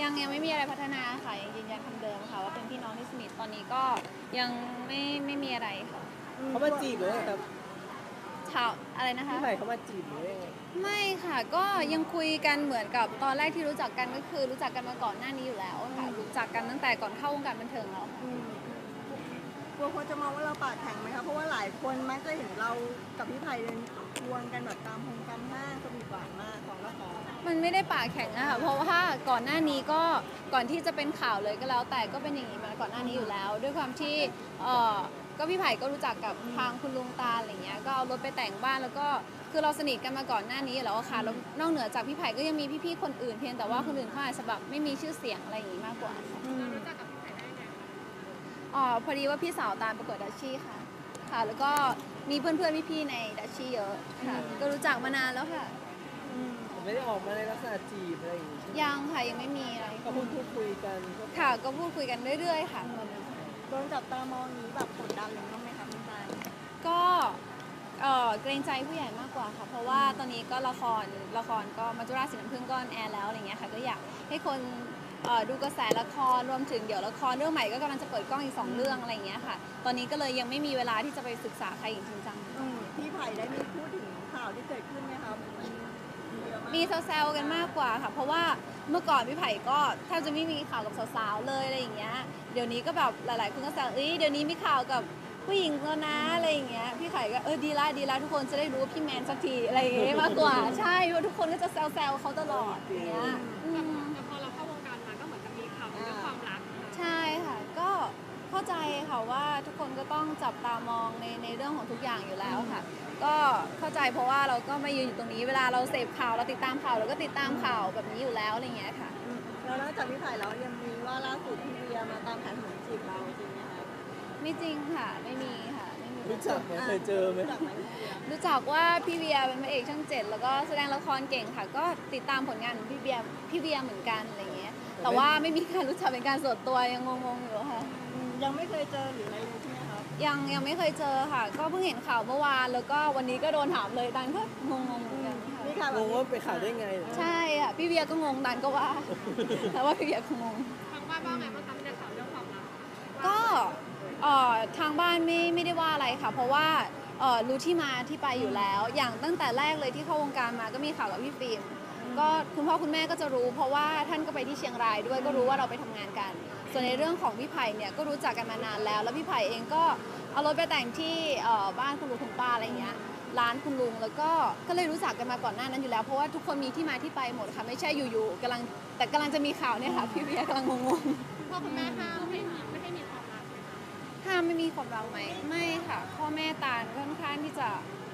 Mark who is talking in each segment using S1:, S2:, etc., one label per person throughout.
S1: ยังไม่มีอะไรพัฒนาค่ะยังยืนยันคำเดิมค่ะว่าเป็นพี่น้องที่สนิทตอนนี้ก็ยังไม่มีอะไรค่ะ
S2: เขามาจีบหรือไงครับ
S1: ถามอะไรนะคะ
S2: พี่ใหม่เขามาจีบหรือไง
S1: ไม่ค่ะก็ยังคุยกันเหมือนกับตอนแรกที่รู้จักกันก็คือรู้จักกันมาก่อนหน้านี้อยู่แล้วค่ะรู้จักกันตั้งแต่ก่อนเข้าวงการบันเทิงแล้วค่ะ
S3: กลัวคนจะมองว่าเราปากแข็งไหมคะเพราะว่าหลายคนมักจะเห็นเรากับพี่ไผ่เลยควงกันแบบตามห้างสวีทหวานมากของละคร
S1: มันไม่ได้ปากแข็งอะค่ะเพราะว่าก่อนหน้านี้ก็ก่อนที่จะเป็นข่าวเลยก็แล้วแต่ก็เป็นอย่างนี้มาก่อนหน้านี้อยู่แล้ว ด้วยความที่ก็พี่ไผ่ก็รู้จักกับทางคุณลุงตาอะไรเงี้ยก็เอารถไปแต่งบ้านแล้วก็คือเราสนิทกันมาก่อนหน้านี้แล้วค่ะแล้วนอกเหนือจากพี่ไผ่ก็ยังมีพี่ๆคนอื่นเพียงแต่ว่าคนอื่นเขาอาจจะแบบไม่มีชื่อเสียงอะไรอย่างนี้มากกว่าค่ะ
S4: รู้จักกับพี่ไผ่ได้ไง
S1: พอดีว่าพี่สาวตามประกวดดัชชี่ค่ะแล้วก็มีเพื่อนๆพี่ๆในดัชชี่เยอะค่ะก็รู้จักมานานแล้วค่ะ
S2: ไม่ได้ออกมาในลักษณะจีบอะไรอย่างงี้
S1: ยังค่ะยังไม่มีอะไร
S2: ก็พูดคุยกัน
S1: ค่ะก็พูดคุยกันเรื่อยๆค่ะ
S3: โดนจับตามองนี้แบบกดดันหรือบ้างไหมคะพี่ไผ่
S1: ก็เกรงใจผู้ใหญ่มากกว่าค่ะเพราะว่าตอนนี้ก็ละครก็มัจจุราชสีน้ำผึ้งก็แอร์แล้วอะไรเงี้ยค่ะก็อยากให้คนดูกระแสละครรวมถึงเดี๋ยวละครเรื่องใหม่ก็กำลังจะเปิดกล้องอีก2 เรื่องอะไรเงี้ยค่ะตอนนี้ก็เลยยังไม่มีเวลาที่จะไปศึกษาใครอย่างจริงจัง
S3: พี่ไผ่ได้มีพูดถึงข่าวที่เกิดขึ้นไหมคะ
S1: มีแซวๆกันมากกว่าค่ะเพราะว่าเมื่อก่อนพี่ไผ่ก็แทบจะไม่มีข่าวกับสาวๆเลยอะไรอย่างเงี้ยเดี๋ยวนี้ก็แบบหลายๆคนก็แซวเดี๋ยวนี้มีข่าวกับผู้หญิงแล้วนะอะไรอย่างเงี้ยพี่ไผ่ก็ดีละทุกคนจะได้รู้ว่าพี่แมนสักทีอะไรอย่างเงี้ยมากกว่าใช่เพราะทุกคนก็จะแซวเขาตลอดอย่างเงี้ย
S4: แต่พอเราเข้าวงการมาก็เหมือนจะมีข่าวเรื่องความรัก
S1: ใช่ค่ะก็เข้าใจค่ะว่าทุกคนก็ต้องจับตามองในเรื่องของทุกอย่างอยู่แล้วค่ะก็เข้าใจเพราะว่าเราก็มายืนอยู่ตรงนี้เวลาเราเสพข่าวเราติดตามข่าวเราก็ติดตามข่าวแบบนี้อยู่แล้วอะไรเงี้ยค่ะ
S3: แล้วนอกจากพี่ไผ่แล้วยังมีว่าล่าสุดพี่เบียมาตามหาหนุ่มจีบเราจริงไหมคะ
S1: ไม่จริงค่ะไม่มีค่ะไม่มี
S2: รู้จักไหมเคยเจอไหม
S1: รู้จักว่าพี่เบียเป็นพระเอกช่อง7แล้วก็แสดงละครเก่งค่ะก็ติดตามผลงานของพี่เบียเหมือนกันอะไรเงี้ยแต่ว่าไม่มีการรู้จักเป็นการส่วนตัวยังงงๆอยู่ค่ะ
S3: ยังไม่เคยเจอหรืออะไรเลยใช่ไหมคะ
S1: ยังไม่เคยเจอค่ะก็เพิ่งเห็นข่าวเมื่อวานแล้วก็วันนี้ก็โดนถามเลยตันก็งงเหมือนกัน
S3: ค่ะ
S2: งงว่าไปข่าวได้ไง
S1: ใช่ค่ะพี่เบียก็งงตันก็ว่าแต่ว่าพี่เบียก็งง
S4: ทางบ้านว่าไงบ้างคะในข่าวเรื่องความรัก
S1: ก็ทางบ้านไม่ได้ว่าอะไรค่ะเพราะว่ารู้ที่มาที่ไปอยู่แล้วอย่างตั้งแต่แรกเลยที่เข้าวงการมาก็มีข่าวกับพี่ฟิล์มก็คุณพ่อคุณแม่ก็จะรู้เพราะว่าท่านก็ไปที่เชียงรายด้วยก็รู้ว่าเราไปทำงานกันส่วนในเรื่องของพี่ไผ่เนี่ยก็รู้จักกันมานานแล้วพี่ไผ่เองก็เอารถไปแต่งที่บ้านคุณลุงคุณป้าอะไรเงี้ยร้านคุณลุงแล้วก็เลยรู้จักกันมาก่อนหน้านั้นอยู่แล้วเพราะว่าทุกคนมีที่มาที่ไปหมดค่ะไม่ใช่อยู่ๆกำลังจะมีข่าวเนี่ยค่ะพี่เบียร์กำลังงง
S4: ๆพ่อคุณแม่ห้ามไม่ให้มีความรัก
S1: ห้ามไม่มีความรักไหมไม่ค่ะพ่อแม่ตาลค่อนข้างที่จะ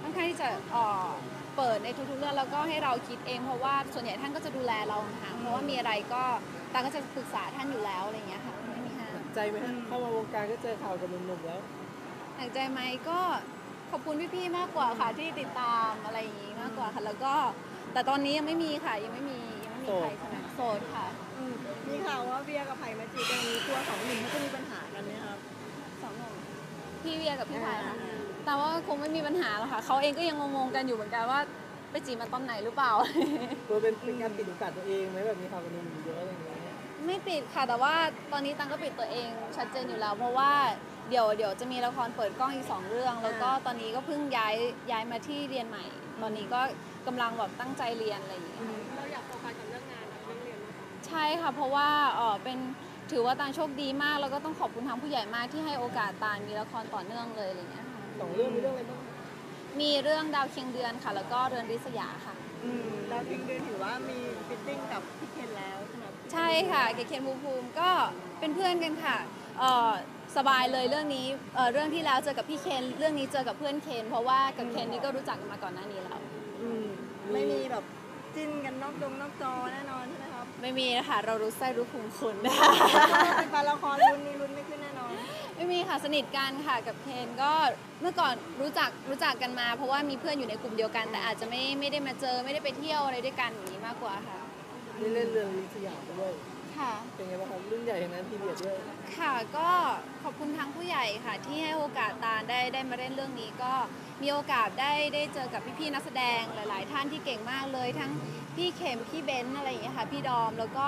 S1: เปิดในทุกๆเรื่องแล้วก็ให้เราคิดเองเพราะว่าส่วนใหญ่ท่านก็จะดูแลเราค่ะเพราะว่ามีอะไรก็ตาก็จะปรึกษาท่านอยู่แล้วอะไรอย่างเงี้ยค่ะไม่มีห้าม
S2: ใจไหมเข้ามาวงการก็เจอข่าวกับหนุ่มๆแล้ว
S1: หนักใจไหมก็ขอบคุณพี่ๆมากกว่าค่ะที่ติดตามอะไรอย่างงี้มากกว่าค่ะแล้วก็แต่ตอนนี้ยังไม่มีค่ะยังไม่มีใครโสดค่ะ
S3: มีข่าวว่าเบียร์กับไผ่มาจีบกันนี้ตัว2 หนุ่มเขาจะมีปัญหากันไหมครับ
S1: 2 หนุ่มพี่เบียร์กับพี่ไผ่ค่ะแต่ว่าคงไม่มีปัญหาหรอกค่ะเขาเองก็ยังงงๆกันอยู่เหมือนกันว่าไปจีบมาตอนไหนหรือเปล่า
S2: ตัวเป็นการปิดโอกาสตัวเองไหมแบบมีข่าวกับหนุ่มเยอะอะไรอย่างเงี้ย
S1: ไม่ปิดค่ะแต่ว่าตอนนี้ตังก็ปิดตัวเองชัดเจนอยู่แล้วเพราะว่าเดี๋ยวจะมีละครเปิดกล้องอีก2 เรื่องแล้วก็ตอนนี้ก็เพิ่งย้ายมาที่เรียนใหม่ตอนนี้ก็กำลังแบบตั้งใจเรียนอะไรอย่างเงี้ย
S4: เราอยากโฟกัสกับเรื่องงานกับเรื่องเรียนมาก
S1: ใช่ค่ะเพราะว่าถือว่าตาลโชคดีมากแล้วก็ต้องขอบคุณทางผู้ใหญ่มากที่ให้โอกาสตาลมีละครต่อเนื่องเลยอะไรเงี้ยค่ะ
S2: 2 เรื่องมีเรื่องอะไรบ้าง
S1: มีเรื่องดาวเคียงเดือนค่ะแล้วก็เรือนริษยาค่ะ
S3: ดาวเคียงเดือนถือว่ามีฟิตติ้งกับพี่เคนแล้วใช่ไหม
S1: ใช่ค่ะเคนภูมิก็เป็นเพื่อนกันค่ะสบายเลยเรื่องนี้เรื่องที่แล้วเจอกับพี่เคนเรื่องนี้เจอกับเพื่อนเคนเพราะว่ากับเคนนี่ก็รู้จักกันมาก่อนหน้านี้แล้ว
S3: ไม่มีแบบจิ้นกันนอกจอแน่นอนใช่ไหมครับ
S1: ไม่มีนะคะเรารู้ไส้รู้ภูมิคุณ
S3: เป็นละครลุ้นไม่ขึ้นแน่นอน
S1: ไม่มีค่ะสนิทกันค่ะกับเคนก็เมื่อก่อนรู้จักกันมาเพราะว่ามีเพื่อนอยู่ในกลุ่มเดียวกันแต่อาจจะไม่ได้มาเจอไม่ได้ไปเที่ยวอะไรด้วยกันอย่างนี้มากกว่าค่ะ
S2: นี่เล่นเรื่องสยามด้วย
S1: ค่ะ
S2: เป็นไงบ้างครับรุ่นใหญ่นั้นพีเรียดด้วย
S1: ค่ะก็ขอบคุณทางผู้ใหญ่ค่ะที่ให้โอกาสตาลได้มาเล่นเรื่องนี้ก็มีโอกาสได้เจอกับพี่ๆนักแสดงหลายๆท่านที่เก่งมากเลยทั้งพี่เข็มพี่เบนซ์อะไรอย่างเงี้ยค่ะพี่ดอมแล้วก็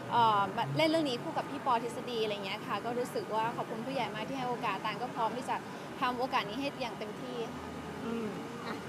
S1: เล่นเรื่องนี้คู่กับพี่ปอทฤษฎีอะไรเงี้ยค่ะก็รู้สึกว่าขอบคุณผู้ใหญ่มากที่ให้โอกาสตานก็พร้อมที่จะทำโอกาสนี้ให้อย่างเต็มที่ค่ะ
S3: อืมอ่ะ